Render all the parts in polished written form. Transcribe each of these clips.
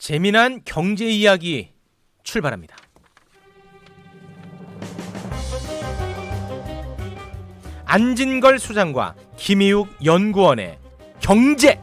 재미난 경제 이야기 출발합니다. 안진걸 수장과 김희욱 연구원의 경제.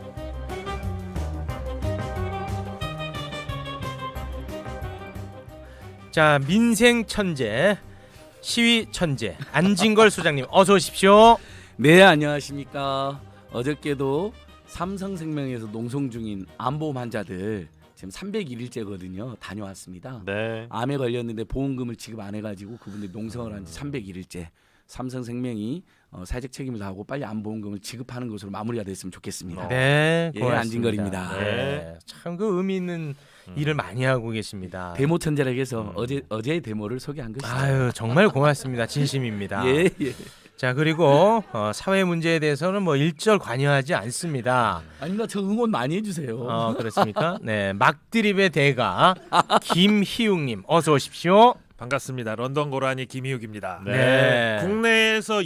자, 민생 천재, 시위 천재 안진걸 수장님 어서 오십시오. 네, 안녕하십니까. 어저께도 삼성생명에서 농성 중인 암보험 환자들 지금 301일째거든요. 다녀왔습니다. 네. 암에 걸렸는데 보험금을 지급 안 해가지고 그분들이 농성을 한 지 301일째. 삼성생명이 사회적 책임을 다하고 빨리 암보험금을 지급하는 것으로 마무리가 됐으면 좋겠습니다. 네, 예, 고맙습니다. 안진걸입니다. 네, 참 그 의미 있는 일을 많이 하고 계십니다. 데모 천재라고 해서 어제의 데모를 소개한 것이죠. 아유, 정말 고맙습니다. 진심입니다. 예, 예. 자, 그리고 사회 문제에 대해서는 뭐 일절 관여하지 않습니다. 아닙니다. 저 응원 많이 해주세요. 그렇습니까? 네, 막드립의 대가 김희욱님 어서 오십시오. 반갑습니다. 런던 고라니 김희욱입니다. 네. 국내에서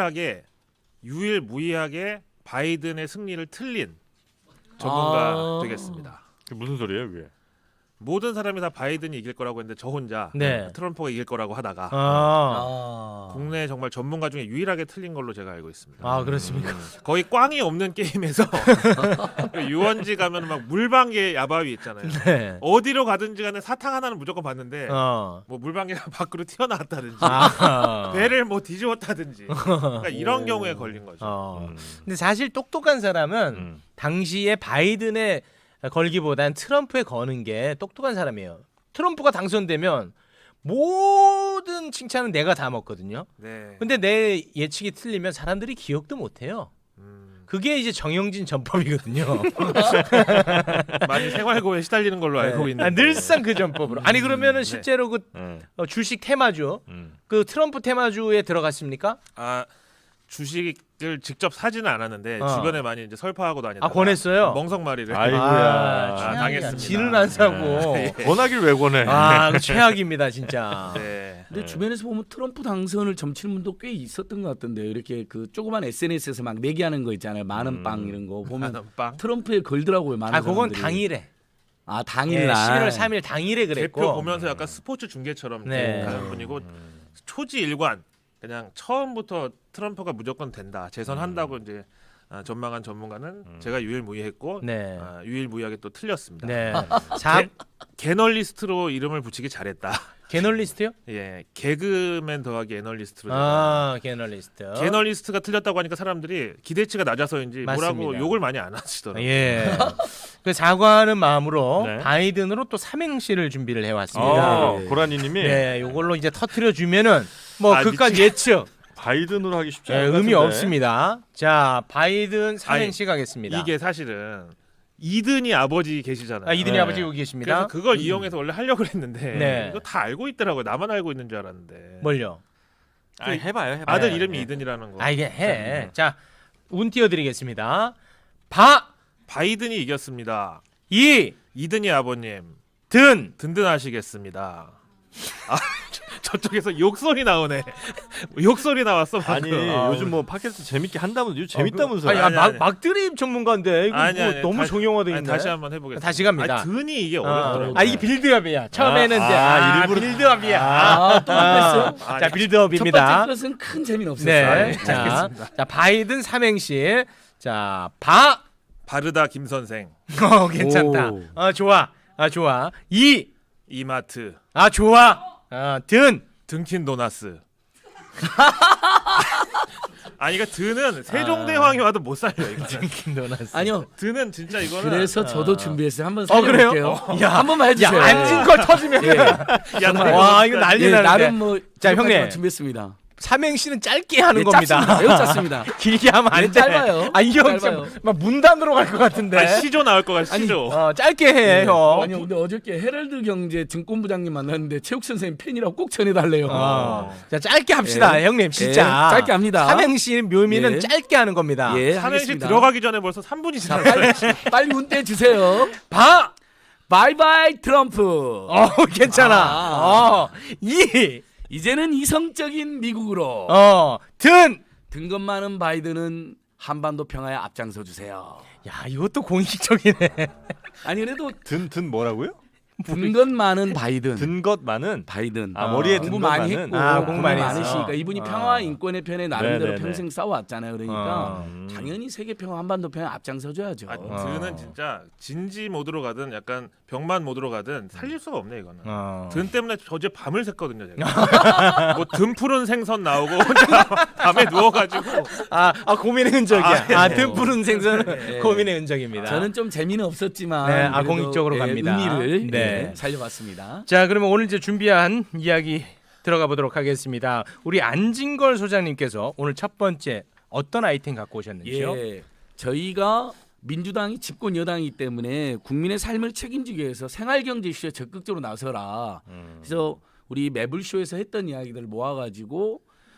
유일무이하게 바이든의 승리를 틀린 전문가 되겠습니다. 그 무슨 소리예요, 그게? 모든 사람이 다 바이든이 이길 거라고 했는데 저 혼자 네. 트럼프가 이길 거라고 하다가 국내 정말 전문가 중에 유일하게 틀린 걸로 제가 알고 있습니다. 그렇습니까? 거의 꽝이 없는 게임에서 유원지 가면 막 물방개 야바위 있잖아요. 네. 어디로 가든지 간에 사탕 하나는 무조건 봤는데 뭐 물방개가 밖으로 튀어나왔다든지 배를 뭐 뒤집었다든지 그러니까 이런 경우에 걸린 거죠. 근데 사실 똑똑한 사람은 당시에 바이든에 걸기보단 트럼프에 거는 게 똑똑한 사람이에요. 트럼프가 당선되면 모든 칭찬은 내가 다 먹거든요. 네. 근데 내 예측이 틀리면 사람들이 기억도 못해요. 그게 이제 정영진 전법이거든요. 많이 생활고에 시달리는 걸로 알고 있는데 늘상 그 전법으로. 아니 그러면은 실제로 그 주식 테마주, 그 트럼프 테마주에 들어갔습니까? 주식을 직접 사지는 않았는데 주변에 많이 이제 설파하고 다니다가 권했어요? 멍석마리를 아이고야. 당했습니다. 지는 안 사고. 권하길 왜 권해? 그 최악입니다 진짜. 네. 근데 주변에서 보면 트럼프 당선을 점치는 분도 꽤 있었던 것 같던데요. 이렇게 그 조그만 SNS에서 막 내기하는 거 있잖아요. 만원 빵 이런 거 보면 만원빵? 트럼프에 걸더라고요. 많은 그건 사람들이. 당일에. 당일날. 11월 3일 당일에 그랬고. 대표 보면서 약간 스포츠 중계처럼 네. 가는 분이고 초지일관 그냥 처음부터 트럼프가 무조건 된다 재선한다고 이제 전망한 전문가는 제가 유일무이했고 네. 유일무이하게 또 틀렸습니다. 네. 개널리스트로 이름을 붙이기 잘했다. 개널리스트요? 예, 개그맨 더하기 애널리스트로. 개널리스트. 개널리스트가 틀렸다고 하니까 사람들이 기대치가 낮아서인지 맞습니다. 뭐라고 욕을 많이 안 하시더라고요. 예. 그 사과하는 마음으로 네. 바이든으로 또 삼행시를 준비를 해왔습니다. 고라니님이 네, 요걸로 이제 터트려 주면은 뭐 아, 그깟 예측 바이든으로 하기 쉽지 네, 않은 의미 것 같은데. 없습니다. 자, 바이든 삼행시 가겠습니다. 이게 사실은 이든이 아버지 계시잖아요. 이든이 네. 아버지 여기 계십니다. 그래서 그걸 이용해서 원래 하려고 했는데 네. 이거 다 알고 있더라고요. 나만 알고 있는 줄 알았는데. 뭘요? 해봐요. 아들 네. 이름이 이든이라는 거. 이게 해. 자, 운 띄워드리겠습니다. 바이든이 이겼습니다. 이 이든이 아버님 든 든든하시겠습니다. 저쪽에서 욕소리 나오네. 욕소리 나왔어 방금. 아니 요즘 뭐 팟캐스트 재밌게 한다면서 요즘 재밌다면서. 아니. 막드립 전문가인데 이거 아니, 뭐 아니, 너무 정형화돼 있네. 다시 한번 해보겠습니다. 다시 갑니다. 든이 이게 어렵더라고요. 이게 빌드업이야. 처음에는 이제 일부러 빌드업이야. 또 했어요? 자, 첫 빌드업입니다. 번째 것은 큰 재미는 없었어요. 네. 자, 바이든 삼행시. 자, 바르다 김 선생. 괜찮다. 오. 좋아. 좋아. 이마트. 좋아. 든. 등킨 도나스. 아니 그러니까 드는 세종대왕이 와도 못 살려 이거. 든킨 도나스. 아니요. 드는 진짜 이거는. 그래서 저도 준비했어요. 한번 그래요? 살려볼게요. 야, 한 번만 해주세요. 앉은 걸 터지면. 야, 와, 이거 난리 나는데. 나름 뭐 자, 형님. 준비했습니다. 삼행시는 짧게 하는 예, 겁니다. 짧습니다. 매우 짧습니다. 길게 하면 안 예, 돼. 짧아요. 이형 짧아요. 막 문단으로 갈 것 같은데. 시조 나올 것 같아 시조. 짧게 해, 형. 아니 근데 어저께 헤럴드 경제 증권부장님 만났는데 체육 선생님 팬이라고 꼭 전해달래요. 자, 짧게 합시다, 예. 형님. 진짜. 예, 짧게 합니다. 삼행시 묘미는 예. 짧게 하는 겁니다. 예, 삼행시 하겠습니다. 들어가기 전에 벌써 3분이 지났어요. 빨리 운대 주세요. 바이바이 트럼프. 괜찮아. 이제는 이성적인 미국으로 든. 등급 많은 바이든은 한반도 평화에 앞장서 주세요. 야, 이것도 공식적이네. 아니 그래도 든 뭐라고요? 든 것 많은 바이든. 든 것 많은 바이든. 머리에 든 공부 것 많이 많은 했고 공부 많이 많으시니까 했어. 이분이 평화 인권의 편에 나름대로 네네네. 평생 싸워왔잖아요. 그러니까 음. 당연히 세계 평화 한반도 평화 앞장서줘야죠. 드는 진짜 진지 모드로 가든 약간 병만 모드로 가든 살릴 수가 없네 이거는. 어. 든 때문에 어제 밤을 샜거든요 제가. 뭐 든 푸른 생선 나오고 혼자 밤에 누워가지고 고민의 흔적이야. 네. 등푸른 생선은 네. 고민의 흔적입니다. 저는 좀 재미는 없었지만 네, 그래도, 공익적으로 갑니다. 의미를 네. 살려봤습니다. 자, 그러면 오늘 이제 준비한 이야기 들어가 보도록 하겠습니다. 우리 안진걸 소장님께서 오늘 첫 번째 어떤 아이템 갖고 오셨는지요? 예, 저희가 민주당이 집권 여당이기 때문에 국민의 삶을 책임지기 위해서 생활경제 이슈에 적극적으로 나서라. 그래서 우리 매불쇼에서 했던 이야기들을 모아가지고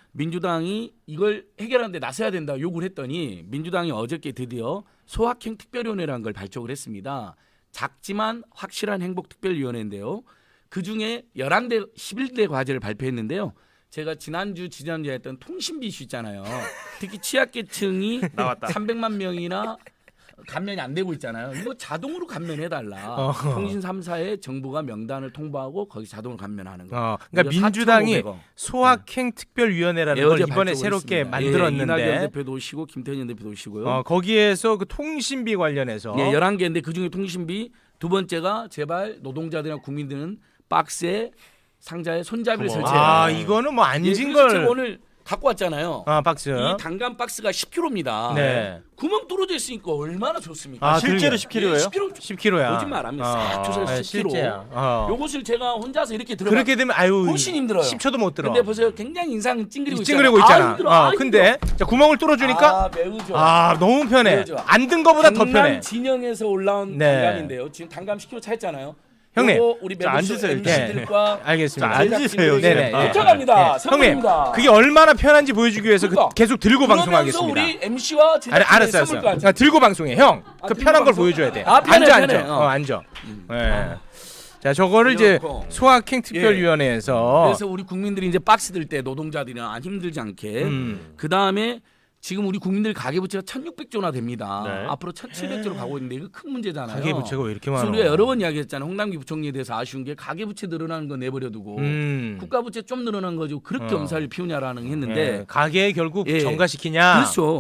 민주당이 이걸 해결하는데 나서야 된다 요구를 했더니 민주당이 어저께 드디어 소확행 특별위원회라는 걸 발족을 했습니다. 작지만 확실한 행복 특별위원회인데요. 그중에 11대 11대 과제를 발표했는데요. 제가 지난주에 했던 통신비 이슈 있잖아요. 특히 취약계층이 나왔다. 300만 명이나 감면이 안 되고 있잖아요. 이거 자동으로 감면해달라. 통신 3사에 정부가 명단을 통보하고 거기 자동으로 감면하는 거. 그러니까 민주당이 4,500원. 소확행 특별위원회라는 예, 걸 어제 이번에 발족을 새롭게 했습니다. 만들었는데 이낙연 대표도 오시고 김태년 대표도 오시고요. 거기에서 그 통신비 관련해서 네, 11개인데 그중에 통신비 두 번째가 제발 노동자들이나 국민들은 박스에 상자에 손잡이를 설치해라. 이거는 뭐 예, 그래서 안진걸 제가 오늘 갖고 왔잖아요. 박스. 이 단감 박스가 10kg입니다. 네. 구멍 뚫어져 있으니까 얼마나 좋습니까? 실제로 그러게요. 10kg예요? 10kg 10kg야. 거짓말 안 합니다. 싹 조사해서 10kg. 실제야. 요것을 제가 혼자서 이렇게 들어 그렇게 되면 훨씬 힘들어요. 10초도 못 들어. 근데 보세요. 굉장히 인상 찡그리고 찡그리고 있잖아. 힘들어. 근데 자, 구멍을 뚫어주니까 매우 좋아. 너무 편해. 매우 좋아. 안 든 거보다 더 편해. 강남 진영에서 올라온 네. 단감인데요. 지금 단감 10kg 차있잖아요. 형님, 요거 우리 자, 앉으세요, 매부쇼 이렇게. MC들과 알겠습니다. 앉으세요, 네네. 아, 도착합니다. 형님, 선물입니다. 그게 얼마나 편한지 보여주기 위해서 그러니까. 계속 들고 그러면서 방송하겠습니다. 우리 MC와 알았어. 들고 방송해, 형. 그 들고 편한 걸 방송? 보여줘야 돼. 편해, 앉아. 편해. 앉아. 네. 자, 저거를 이제 이렇고. 소확행 특별위원회에서 그래서 우리 국민들이 이제 박스 들 때 노동자들이나 안 힘들지 않게 그 다음에 지금 우리 국민들 가계부채가 1,600조나 됩니다. 네. 앞으로 1,700조로 가고 있는데 이거 큰 문제잖아요. 가계부채가 왜 이렇게 그래서 많아? 우리가 여러 번 이야기했잖아요. 홍남기 부총리에 대해서 아쉬운 게 가계부채 늘어나는 거 내버려두고 국가부채 좀 늘어난 거죠. 그렇게 엄살을 피우냐라는 했는데 가계 결국 예. 정가시키냐? 그렇죠.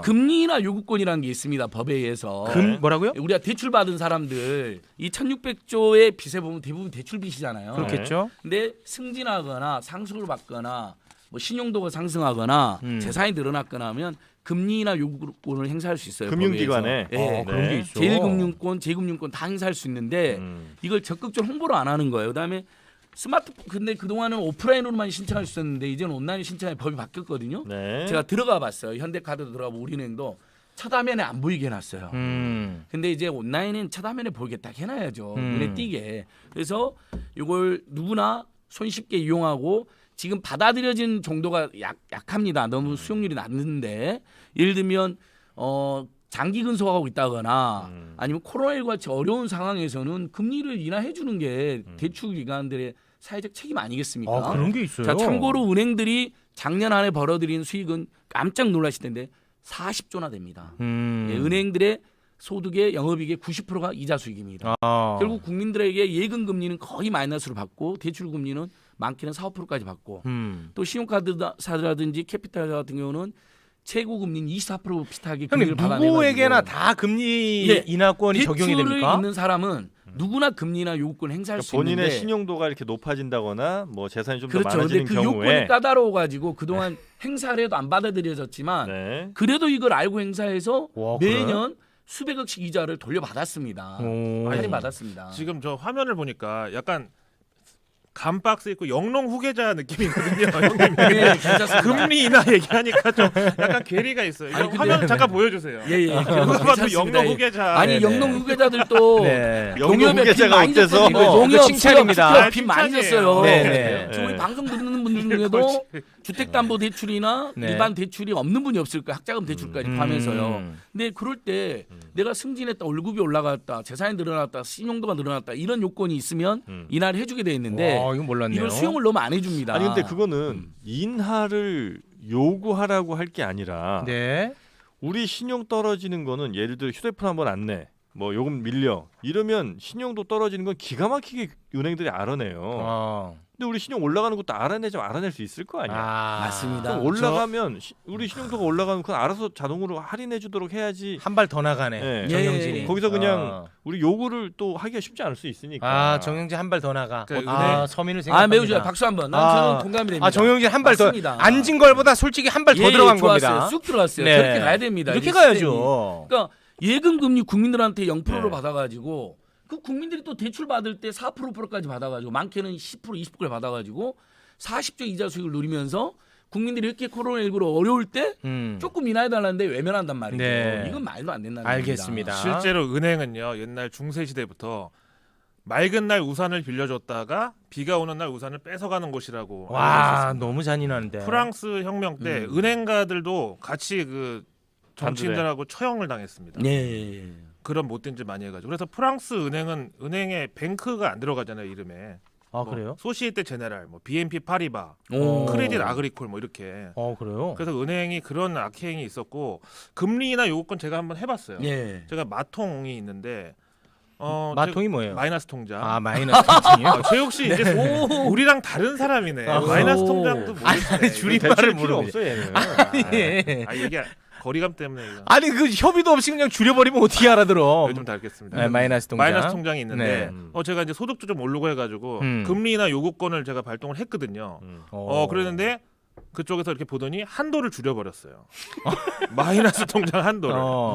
금리나 요구권이라는 게 있습니다. 법에 의해서. 뭐라고요? 우리가 대출 받은 사람들 이 1,600조의 빚에 보면 대부분 대출 빚이잖아요. 그렇겠죠. 근데 승진하거나 상속을 받거나 뭐 신용도가 상승하거나 재산이 늘어났거나 하면 금리나 요구권을 행사할 수 있어요. 금융기관에. 예. 그런 게 있어. 제1금융권, 제2금융권 다 행사할 수 있는데 이걸 적극적으로 홍보를 안 하는 거예요. 그다음에 스마트폰 근데 그동안은 오프라인으로만 신청할 수 있었는데 이제는 온라인 신청의 법이 바뀌었거든요. 네. 제가 들어가 봤어요. 현대카드도 들어가고 우리은행도 첫 화면에 안 보이게 해놨어요. 근데 이제 온라인은 첫 화면에 보이게 딱 해놔야죠. 눈에 띄게. 그래서 이걸 누구나 손쉽게 이용하고 지금 받아들여진 정도가 약합니다. 너무 수용률이 낮는데 예를 들면 장기 근속하고 있다거나 아니면 코로나19 같이 어려운 상황에서는 금리를 인하해 주는 게 대출 기관들의 사회적 책임 아니겠습니까? 그런 게 있어요. 자, 참고로 은행들이 작년 안에 벌어들인 수익은 깜짝 놀라실 텐데 40조나 됩니다. 예, 은행들의 소득의 영업이익의 90%가 이자 수익입니다. 결국 국민들에게 예금 금리는 거의 마이너스로 받고 대출 금리는 많게는 4, 5%까지 받고 또 신용카드사라든지 캐피탈 같은 경우는 최고 금리는 24% 비슷하게 금리를 형님 받아내가지고 누구에게나 다 금리 예, 인하권이 적용이 대출을 됩니까? 있는 사람은 누구나 금리나 요구권 행사할 수 본인의 있는데 신용도가 이렇게 높아진다거나 뭐 재산이 좀 더 그렇죠. 근데 많아지는 그 경우에 요건이 까다로워 가지고 그동안 행사를 해도 안 받아들여졌지만 네. 그래도 이걸 알고 행사해서 와, 그래? 매년 수백억씩 이자를 돌려받았습니다. 할인받았습니다. 지금 저 화면을 보니까 약간 감박스 있고 영롱 후계자 느낌이거든요. 형님. 네, 괜찮습니다. 금리 인하 얘기하니까 좀 약간 괴리가 있어요. 아니, 이거 근데- 화면 잠깐 보여주세요. 예. 누가 봐도 괜찮습니다. 영롱 예. 후계자. 아니 네네. 영농 후계자들도 네. 영농 후계자가 어때서? 그 칭찬입니다. 빚 많이 졌어요. 네네. 지금 우리 방송 듣는 분들 중에도 주택담보대출이나 네. 일반 대출이 없는 분이 없을 거예요. 학자금 대출까지 포함해서요. 근데 그럴 때 내가 승진했다, 월급이 올라갔다, 재산이 늘어났다, 신용도가 늘어났다 이런 요건이 있으면 인하를 해주게 돼 있는데 와, 이건 몰랐네요. 이걸 수용을 너무 안 해줍니다. 아니 근데 그거는 인하를 요구하라고 할 게 아니라 네. 우리 신용 떨어지는 거는 예를 들어 휴대폰 한번 안 내. 뭐 요금 밀려 이러면 신용도 떨어지는 건 기가 막히게 은행들이 알아내요. 근데 우리 신용 올라가는 것도 알아낼 수 있을 거 아니야. 맞습니다. 그럼 올라가면 우리 신용도가 올라가면 그건 알아서 자동으로 할인해 주도록 해야지. 한 발 더 나가네. 네. 정영진이. 거기서 그냥 우리 요구를 또 하기가 쉽지 않을 수 있으니까. 정영진 한 발 더 나가. 그러니까 서민을 생각합니다. 매우 좋아요. 박수 한번. 저는 공감이 됩니다. 정영진 한 발 더. 맞습니다. 앉은 걸보다 솔직히 한 발 더 들어간 좋았어요. 겁니다. 쑥 들어갔어요. 네. 저렇게 가야 됩니다. 이렇게 이 가야죠. 그러니까 예금 금리 국민들한테 0%로 네. 받아가지고 그 국민들이 또 대출 받을 때 4%까지 받아가지고 많게는 10% 20%까지 받아가지고 40조 이자 수익을 누리면서 국민들이 이렇게 코로나19로 어려울 때 조금 인하해달라는데 외면한단 말이죠. 네. 이건 말도 안 된다는 알겠습니다. 겁니다. 실제로 은행은요 옛날 중세 시대부터 맑은 날 우산을 빌려줬다가 비가 오는 날 우산을 뺏어가는 곳이라고 알려져 와 있습니다. 너무 잔인한데. 프랑스 혁명 때 은행가들도 같이 그 정치인들하고 처형을 당했습니다. 네. 그런 못된 짓 많이 해가지고 그래서 프랑스 은행은 은행에 뱅크가 안 들어가잖아요 이름에. 그래요? 소시에테 제네랄, 뭐 BNP 파리바, 오. 크레딧 아그리콜 뭐 이렇게. 그래요? 그래서 은행이 그런 악행이 있었고 금리나 요건 제가 한번 해봤어요. 예. 제가 마통이 있는데 마통이 뭐예요? 마이너스 통장. 마이너스 통장이요? 최욱 씨 이제 우리랑 다른 사람이네. 마이너스 통장도 모르시네. 줄임말을 필요 모르네. 없어 얘는. 이게 거리감 때문에 이거. 아니 그 협의도 없이 그냥 줄여버리면 어떻게 알아들어? 요즘 다르겠습니다. 네, 마이너스 통장. 마이너스 통장이 있는데 네. 제가 이제 소득도 좀 오르고 해가지고 음. 금리나 요구권을 제가 발동을 했거든요. 그랬는데 그쪽에서 이렇게 보더니 한도를 줄여버렸어요. 마이너스 통장 한도를.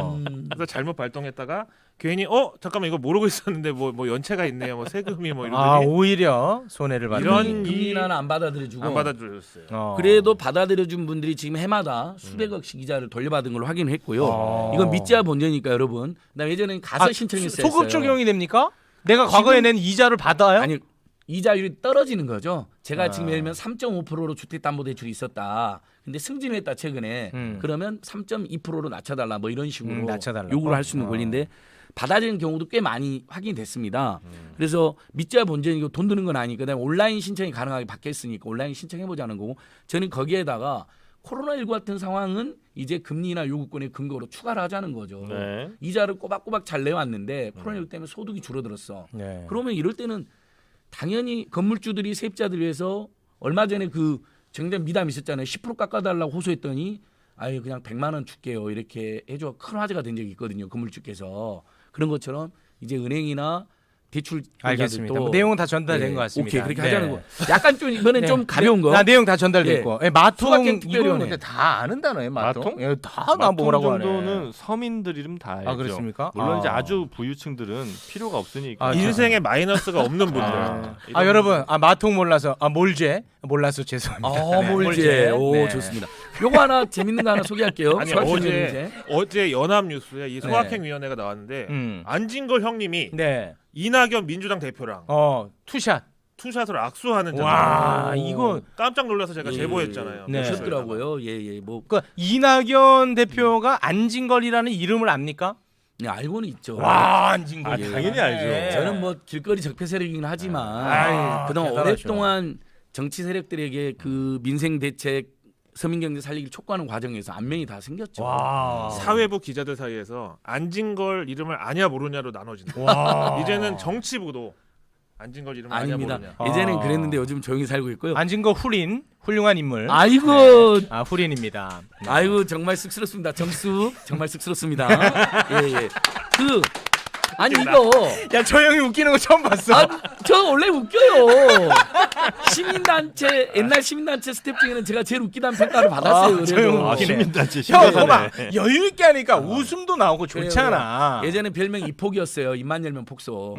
그래서 잘못 발동했다가 괜히 잠깐만 이거 모르고 있었는데 뭐 연체가 있네요. 뭐 세금이 뭐 이러더니 오히려 손해를 받는. 이런 금리 인하는 안 받아들여주고 안 받아줬어요. 그래도 받아들여준 분들이 지금 해마다 수백억씩 이자를 돌려받은 걸로 확인했고요. 이건 믿지야 본전이니까 여러분. 나 예전에 가서 신청했어요. 소급 적용이 됩니까? 내가 과거에 낸 이자를 받아요? 아니 이자율이 떨어지는 거죠. 제가 지금 예를 들면 3.5%로 주택담보대출이 있었다. 근데 승진을 했다 최근에. 그러면 3.2%로 낮춰달라 뭐 이런 식으로 낮춰달라고? 요구를 할 수 있는 권리인데 받아들이는 경우도 꽤 많이 확인이 됐습니다. 그래서 믿자야 본전이고 돈 드는 건 아니니까 그다음에 온라인 신청이 가능하게 바뀌었으니까 온라인 신청해보자는 거고 저는 거기에다가 코로나19 같은 상황은 이제 금리나 요구권의 근거로 추가를 하자는 거죠. 네. 이자를 꼬박꼬박 잘 내왔는데 코로나19 때문에 소득이 줄어들었어. 네. 그러면 이럴 때는 당연히 건물주들이 세입자들 위해서 얼마 전에 그 정전 미담 있었잖아요. 10% 깎아달라고 호소했더니 아유 그냥 100만 원 줄게요. 이렇게 해줘 큰 화제가 된 적이 있거든요. 건물주께서. 그런 것처럼 이제 은행이나 대출 알겠습니다. 뭐 내용은 다 전달된 것 같습니다. 오케이 그렇게 네. 하자는 거. 약간 좀 이번엔 네. 좀 가벼운 거. 내용 다 전달됐고. 마통 수학행 특별위원회. 이거는 근데 다 아는 단어예요. 마통? 마통? 다나 마통 뭐라고 하네. 정도는 서민들 이름 다 알죠. 그렇습니까? 물론 이제 아주 부유층들은 필요가 없으니까. 인생에 마이너스가 없는 분들. 여러분 마통 몰라서 몰제 몰라서 죄송합니다. 몰제. 오 네. 좋습니다. 요거 하나 재밌는 거 하나 소개할게요. 아니 수학행 위원회. 어제 연합뉴스에 이 소확행위원회가 나왔는데 안진걸 형님이 이낙연 민주당 대표랑 투샷. 투샷을 악수하는 와 장면. 이거 깜짝 놀라서 제가 제보했잖아요. 네. 하셨더라고요. 예. 뭐 그러니까 이낙연 대표가 안진걸이라는 이름을 압니까? 네, 알고는 있죠. 와 안진걸. 당연히 알죠. 저는 뭐 길거리 적폐 세력이긴 하지만 그동안 대단하죠. 오랫동안 정치 세력들에게 그 민생 대책 서민경제 살리기를 촉구하는 과정에서 안면이 다 생겼죠. 와. 사회부 기자들 사이에서 안진걸 이름을 아냐 모르냐로 나눠진다. 와. 이제는 정치부도 안진걸 이름을 아냐 아닙니다. 모르냐. 예전엔 그랬는데 요즘 조용히 살고 있고요. 안진걸 훌륭한 인물. 아이고, 후린입니다. 아이고 정말 쑥스럽습니다. 정수 정말 쑥스럽습니다. 예. 아니 이거 야 저 형이 웃기는 거 처음 봤어. 저 원래 웃겨요. 시민단체 옛날 시민단체 스텝 중에는 제가 제일 웃기다는 평가를 받았어요. 저 형 그래도. 웃기네. 시민단체 형 심각하네. 봐봐 여유 있게 하니까 웃음도 나오고 좋잖아. 예전에 별명 이폭이었어요. 입만 열면 폭소.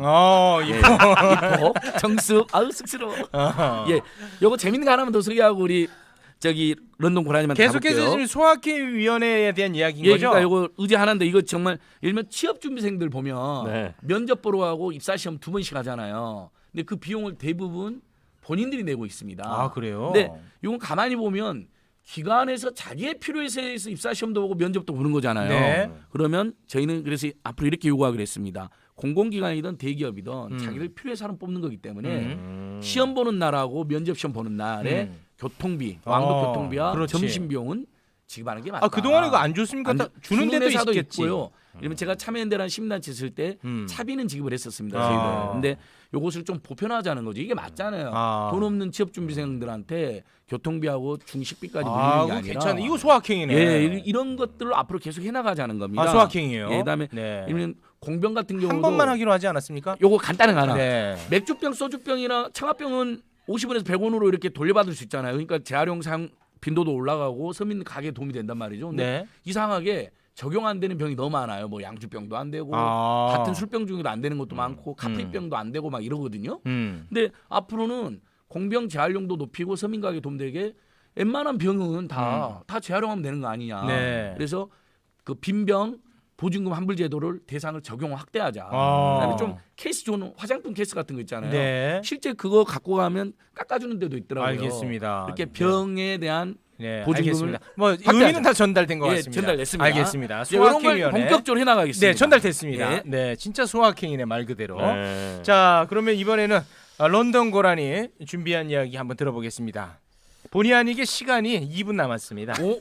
이거 이폭 정수 아우 쑥스러워. 예, 요거 재밌는 거 하나만 더 소개하고 우리 저기 런던 고라니만 계속해서 지금 소확행위원회에 대한 이야기인 거죠? 그러니까 이거 의제 하나인데 이거 정말 예를 들면 취업 준비생들 보면 네. 면접 보러 가고 입사 시험 2번씩 하잖아요. 근데 그 비용을 대부분 본인들이 내고 있습니다. 그래요? 근데 이건 가만히 보면 기관에서 자기의 필요에 의해서 입사 시험도 보고 면접도 보는 거잖아요. 네. 그러면 저희는 그래서 앞으로 이렇게 요구하기로 했습니다. 공공기관이든 대기업이든 자기들 필요해 사람 뽑는 거기 때문에 시험 보는 날하고 면접 시험 보는 날에 교통비, 왕복 교통비와 그렇지. 점심 비용은 지급하는 게 맞다. 아 그동안에 이거 안 줬습니까? 주는 데도 회사도 있겠지. 있고요. 이러면 제가 참여연대라는 시민단체 있을 때 차비는 지급을 했었습니다. 아. 저희들. 근데 요것을 좀 보편화하자는 거죠. 이게 맞잖아요. 아. 돈 없는 취업준비생들한테 교통비하고 중식비까지 물리는 게 그거 아니라. 괜찮네. 이거 소확행이네. 예, 이런 것들을 앞으로 계속 해나가자는 겁니다. 아 소확행이에요. 예, 그다음에 네. 이런 공병 같은 경우도 한 번만 하기로 하지 않았습니까? 요거 간단한 거 하나. 네. 맥주병, 소주병이나 창화병은 50원에서 100원으로 이렇게 돌려받을 수 있잖아요. 그러니까 재활용 사용 빈도도 올라가고 서민 가게에 도움이 된단 말이죠. 근데 네. 이상하게 적용 안 되는 병이 너무 많아요. 뭐 양주병도 안 되고 같은 술병 중에도 안 되는 것도 많고 카프리병도 안 되고 막 이러거든요. 근데 앞으로는 공병 재활용도 높이고 서민 가게에 도움되게 웬만한 병은 다 재활용하면 되는 거 아니냐. 네. 그래서 그 빈병 보증금 환불 제도를 대상을 적용 확대하자. 그다음에 좀 케이스 좋은 화장품 케이스 같은 거 있잖아요. 네. 실제 그거 갖고 가면 깎아주는 데도 있더라고요. 알겠습니다. 이렇게 병에 대한 네, 보증금을 알겠습니다. 뭐 확대하자. 의미는 다 전달된 것 예, 같습니다. 전달됐습니다. 알겠습니다. 이런 걸 소확행위원회. 본격적으로 해나가겠습니다. 네, 전달됐습니다. 예. 네, 진짜 소확행이네 말 그대로. 네. 자, 그러면 이번에는 런던 고라니 준비한 이야기 한번 들어보겠습니다. 본의 아니게 시간이 2분 남았습니다. 오?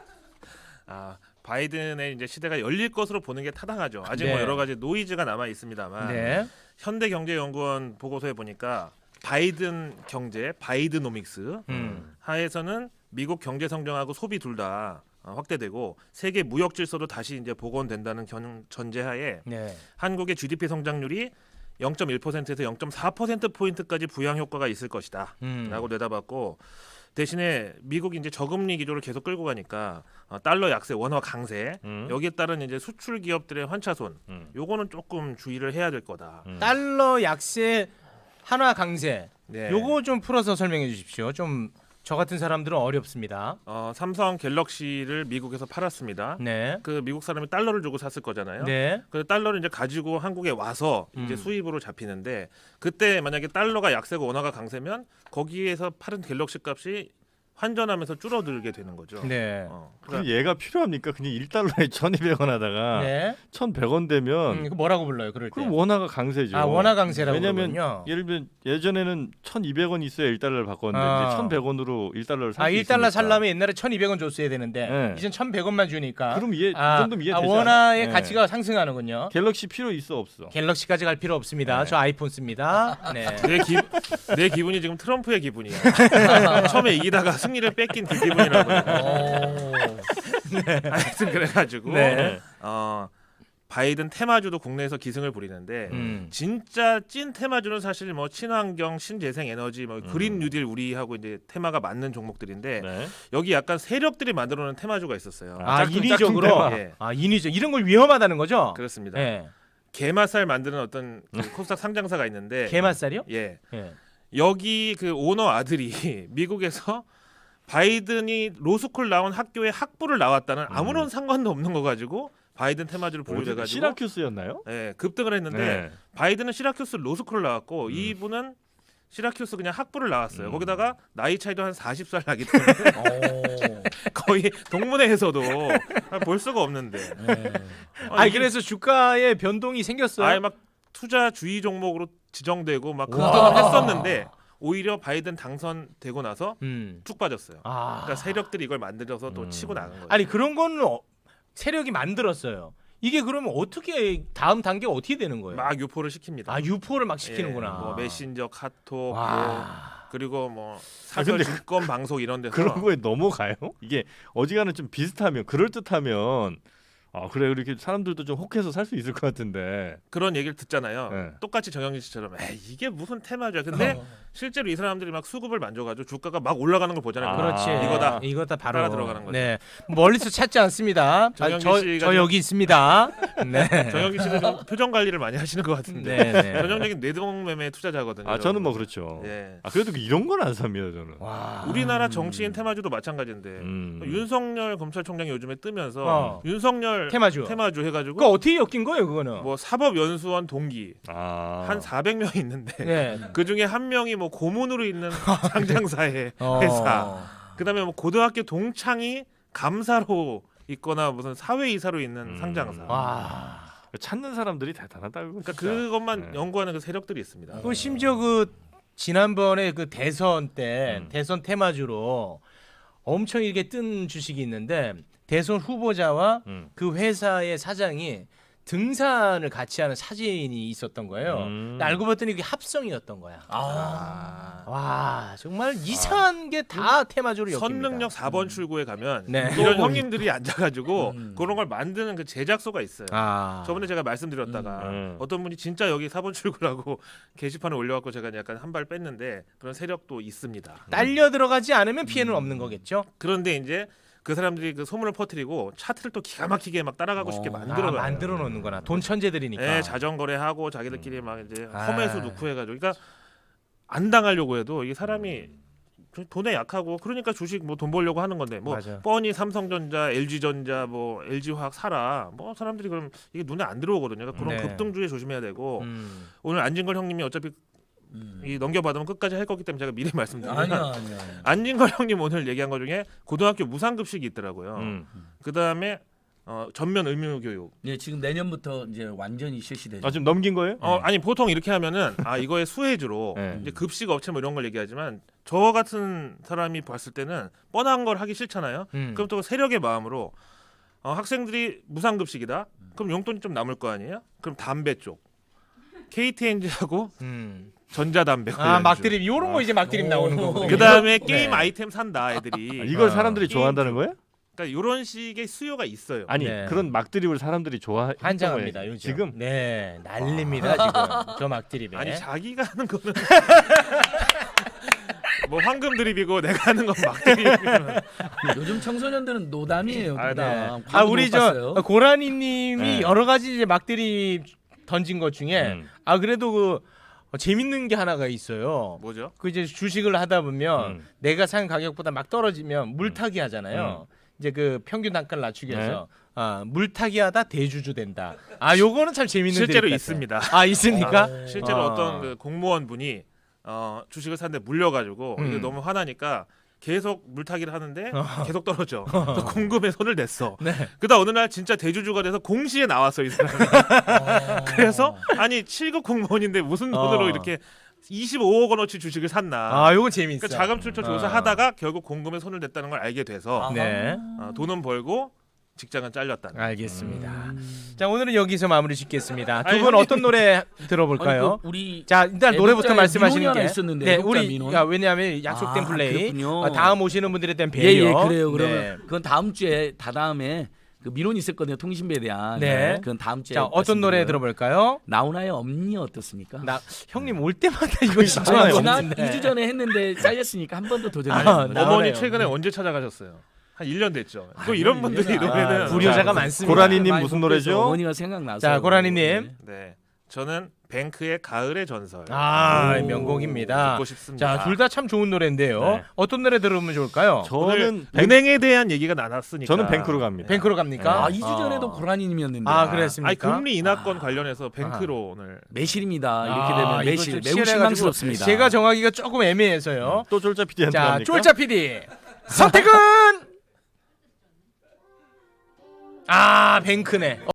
바이든의 이제 시대가 열릴 것으로 보는 게 타당하죠. 아직 네. 뭐 여러 가지 노이즈가 남아 있습니다만 네. 현대경제연구원 보고서에 보니까 바이든 경제, 바이드노믹스 하에서는 미국 경제 성장하고 소비 둘 다 확대되고 세계 무역 질서도 다시 이제 복원된다는 전제하에 네. 한국의 GDP 성장률이 0.1%에서 0.4% 포인트까지 부양 효과가 있을 것이다라고 내다봤고 대신에 미국이 이제 저금리 기조를 계속 끌고 가니까 달러 약세, 원화 강세 여기에 따른 이제 수출 기업들의 환차손 요거는 조금 주의를 해야 될 거다. 달러 약세, 한화 강세. 네. 요거 좀 풀어서 설명해 주십시오. 좀 저 같은 사람들은 어렵습니다. 삼성 갤럭시를 미국에서 팔았습니다. 네. 그 미국 사람이 달러를 주고 샀을 거잖아요. 네. 그 달러를 이제 가지고 한국에 와서 이제 수입으로 잡히는데 그때 만약에 달러가 약세고 원화가 강세면 거기에서 파는 갤럭시 값이 환전하면서 줄어들게 되는 거죠. 네. 그럼 얘가 필요합니까? 그냥 1달러에 1,200원 하다가 네. 1,100원 되면 그 뭐라고 불러요? 그럴 때. 그럼 원화가 강세죠. 아, 원화 강세라고 왜냐면 그러군요. 예를 들면 예전에는 1,200원 있어야 1달러를 바꿨는데 이제 1,100원으로 1달러를 살 수 있으니까. 1달러 살려면 옛날에 1,200원 줬어야 되는데 네. 이젠 1,100원만 주니까. 그럼 이 정도면 이해되지 원화의 않아요? 가치가 상승하는군요. 갤럭시 필요 있어 없어? 갤럭시까지 갈 필요 없습니다. 저 아이폰 씁니다. 네. 내 기분이 지금 트럼프의 기분이야. 처음에 이기다가 승리를 뺏긴 그 기분이라고. 하여튼 그래가지고 네. 바이든 테마주도 국내에서 기승을 부리는데 진짜 찐 테마주는 사실 뭐 친환경, 신재생 에너지, 뭐 그린 뉴딜 우리하고 이제 테마가 맞는 종목들인데 네. 여기 약간 세력들이 만들어놓은 테마주가 있었어요. 인위적으로. 테마. 예. 인위적 이런 걸 위험하다는 거죠? 그렇습니다. 네. 게맛살 만드는 어떤 그 코스닥 상장사가 있는데 게맛살이요? 예. 예. 여기 그 오너 아들이 미국에서 바이든이 로스쿨 나온 학교에 학부를 나왔다는 아무런 상관도 없는 거 가지고 바이든 테마주를 분류해가지고 시라큐스였나요? 예, 급등을 했는데 네. 바이든은 시라큐스 로스쿨을 나왔고 이분은 시라큐스 그냥 학부를 나왔어요. 거기다가 나이 차이도 한 40살 나기 때문에 거의 동문회에서도 볼 수가 없는데. 그래서 주가의 변동이 생겼어요. 아예 막 투자주의 종목으로 지정되고 막 급등을 했었는데 오히려 바이든 당선되고 나서 쭉 빠졌어요. 그러니까 세력들이 이걸 만들어서 또 치고 나간 거예요. 아니 그런 거는 세력이 만들었어요. 이게 그러면 어떻게 다음 단계가 어떻게 되는 거예요? 막 유포를 시킵니다. 유포를 막 시키는구나. 예, 뭐 메신저, 카톡, 와. 뭐 그리고 뭐 사설 증권 방송 이런 데서 그런 거에 넘어가요? 이게 어지간한 좀 비슷하면 그럴 듯하면 그래 이렇게 사람들도 좀 혹해서 살 수 있을 것 같은데 그런 얘기를 듣잖아요. 네. 똑같이 정영진 씨처럼 이게 무슨 테마죠. 근데 실제로 이 사람들이 막 수급을 만져가지고 주가가 막 올라가는 걸 보잖아요. 그렇지. 이거다 바로 따라 들어가는 거죠. 네. 멀리서 찾지 않습니다. 정영진 씨가 저 여기 있습니다. 네. 정영진 씨는 좀 표정 관리를 많이 하시는 것 같은데 네. 전형적인 뇌동매매 투자자거든요. 저는 뭐 그렇죠. 예. 그래도 이런 건 안 삽니다 저는. 와. 우리나라 정치인 테마주도 마찬가지인데 윤석열 검찰총장이 요즘에 뜨면서 윤석열 테마주 해가지고 그거 어떻게 엮인 거예요 그거는? 뭐 사법연수원 동기 한 400명이 있는데 네. 그 중에 한 명이 뭐 고문으로 있는 상장사의 회사, 그다음에 뭐 고등학교 동창이 감사로 있거나 무슨 사회이사로 있는 상장사. 와. 찾는 사람들이 대단하다고. 그러니까 그것만 연구하는 그 세력들이 있습니다. 그 심지어 그 지난번에 그 대선 때 대선 테마주로 엄청 이렇게 뜬 주식이 있는데 대선 후보자와 그 회사의 사장이 등산을 같이 하는 사진이 있었던 거예요. 근데 알고 봤더니 그게 합성이었던 거야. 와 정말 이상한 게 다 테마주로 엮입니다. 선능력 4번 출구에 가면 네. 이런 형님들이 앉아가지고 그런 걸 만드는 그 제작소가 있어요. 아. 저번에 제가 말씀드렸다가 어떤 분이 진짜 여기 4번 출구라고 게시판에 올려갖고 제가 약간 한 발 뺐는데 그런 세력도 있습니다. 딸려 들어가지 않으면 피해는 없는 거겠죠. 그런데 이제 그 사람들이 그 소문을 퍼뜨리고 차트를 또 기가 막히게 막 따라가고 싶게 만들어놔요. 만들어 놓는구나. 돈 천재들이니까. 네, 자전거래하고 자기들끼리 막 이제 험해수 넣고 해가지고, 그러니까 안 당하려고 해도 이게 사람이 돈에 약하고 그러니까 주식 뭐 돈 벌려고 하는 건데 뭐 맞아. 뻔히 삼성전자, LG전자, 뭐 LG화학 사라 뭐 사람들이 그럼 이게 눈에 안 들어오거든요. 그러니까 그런 네. 급등주에 조심해야 되고 오늘 안진걸 형님이 어차피 이 넘겨받으면 끝까지 할 거기 때문에 제가 미리 말씀드리면 아니야. 안진걸 형님 오늘 얘기한 것 중에 고등학교 무상급식이 있더라고요. 그 다음에 전면 의무교육. 예, 지금 내년부터 이제 완전히 실시되죠. 아 지금 넘긴 거예요? 아니 보통 이렇게 하면은 이거의 수혜주로 네. 이제 급식 업체 뭐 이런 걸 얘기하지만 저 같은 사람이 봤을 때는 뻔한 걸 하기 싫잖아요. 그럼 또 세력의 마음으로 학생들이 무상급식이다. 그럼 용돈이 좀 남을 거 아니에요? 그럼 담배 쪽 KTNG하고 전자담배 막드립 이런 거 이제 막드립 나오는 거고. 그 다음에 게임 아이템 산다 애들이. 이걸 사람들이 좋아한다는 거예요? 그러니까 이런 식의 수요가 있어요. 아니 네. 그런 막드립을 사람들이 좋아했던 한장합니다 거예요. 요즘. 지금 네 난립니다 지금 저 막드립에. 아니 자기가 하는 거는 뭐 황금 드립이고 내가 하는 건 막 드립이면 요즘 청소년들은 노담이에요. 아, 노담. 아 우리 저 고라니님이 네. 여러 가지 이제 막드립 던진 것 중에 그래도 그 재밌는 게 하나가 있어요. 뭐죠? 그 이제 주식을 하다 보면 내가 산 가격보다 막 떨어지면 물타기 하잖아요. 이제 그 평균 단가를 낮추기 위해서 물타기 하다 대주주 된다. 요거는 참 재밌는 실제로 드립 같아요. 있습니다. 있습니까? 실제로 어떤 그 공무원 분이 주식을 샀는데 물려가지고 이게 너무 화나니까 계속 물타기를 하는데 계속 떨어져. 그래서 공금에 손을 냈어. 네. 그러다 어느 날 진짜 대주주가 돼서 공시에 나왔어 이 사람이. 그래서 아니 7급 공무원인데 무슨 돈으로 이렇게 25억 원어치 주식을 샀나. 요거 재밌어. 그러니까 자금 출처 조사하다가 결국 공금에 손을 댔다는 걸 알게 돼서 네. 돈은 벌고 직장은 잘렸다. 알겠습니다. 자 오늘은 여기서 마무리 짓겠습니다. 두 아니, 분 형님. 어떤 노래 들어볼까요? 우리 자 일단 노래부터 애국자에 말씀하시는 민원이 게 하나 있었는데, 네 애국자 우리 민원. 왜냐하면 약속된 플레이 그렇군요. 다음 오시는 분들에 대한 배려. 예, 그래요. 그러면 네. 그건 다음 주에 다다음에 그 민원이 있었거든요. 통신비에 대한. 네. 그건 다음 주에. 자 어떤 노래 말씀드려요. 들어볼까요? 나훈아의 엄니 어떻습니까? 형님 올 때마다 이거 지난 신청하는 거 2주 전에 했는데 잘렸으니까 한 번 더 도전해요. 나오네요. 어머니 최근에 언제 찾아가셨어요? 한 1년 됐죠. 또 이런 분들이 노래는 불효자가 많습니다. 고라니님 많이 무슨 뽑혀서 노래죠? 어머니가 생각나서. 자 고라니님. 네, 저는 뱅크의 가을의 전설 명곡입니다. 듣고 싶습니다. 자 둘 다 참 좋은 노래인데요. 네. 어떤 노래 들으면 좋을까요? 저는 은행에 대한 얘기가 나눴으니까 저는 뱅크로 갑니다. 뱅크로 갑니까? 2주 전에도 고라니님이었는데. 그랬습니까? 아니 금리 인하권 관련해서 뱅크로 오늘 매실입니다. 이렇게 되면 이거 매실 좀 매우 치열해가지고 실망스럽습니다. 제가 정하기가 조금 애매해서요. 또 쫄자 PD한테 자 갑니까? 쫄자 PD 선택은 뱅크네.